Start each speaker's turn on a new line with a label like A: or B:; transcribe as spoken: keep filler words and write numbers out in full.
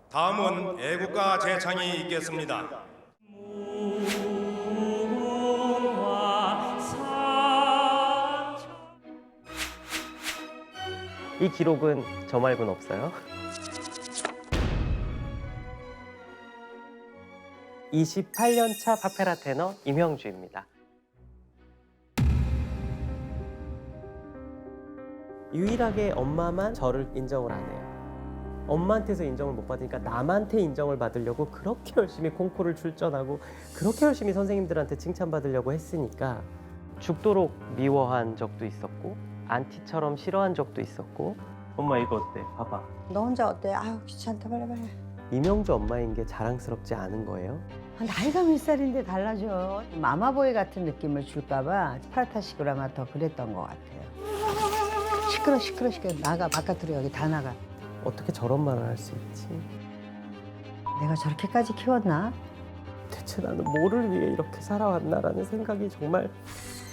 A: 다음은 애국가 재창이 있겠습니다.
B: 이 기록은 저 말고는 없어요. 이십팔 년 차 파페라 테너 임형주입니다. 유일하게 엄마만 저를 인정을 안 해요. 엄마한테서 인정을 못 받으니까 남한테 인정을 받으려고 그렇게 열심히 콩쿠르를 출전하고 그렇게 열심히 선생님들한테 칭찬받으려고 했으니까 죽도록 미워한 적도 있었고 안티처럼 싫어한 적도 있었고. 엄마 이거 어때? 봐봐.
C: 너 혼자 어때? 아유 귀찮다 빨리 빨리.
B: 임영주 엄마인 게 자랑스럽지 않은 거예요?
C: 아, 나이가 몇 살인데 달라져. 마마보이 같은 느낌을 줄까 봐 스파르타식으로 아마 더 그랬던 것 같아요. 시끄러 시끄러 시끄러. 나가 바깥으로 여기 다 나가.
B: 어떻게 저런 말을 할 수 있지?
C: 내가 저렇게까지 키웠나?
B: 대체 나는 뭐를 위해 이렇게 살아왔나라는 생각이 정말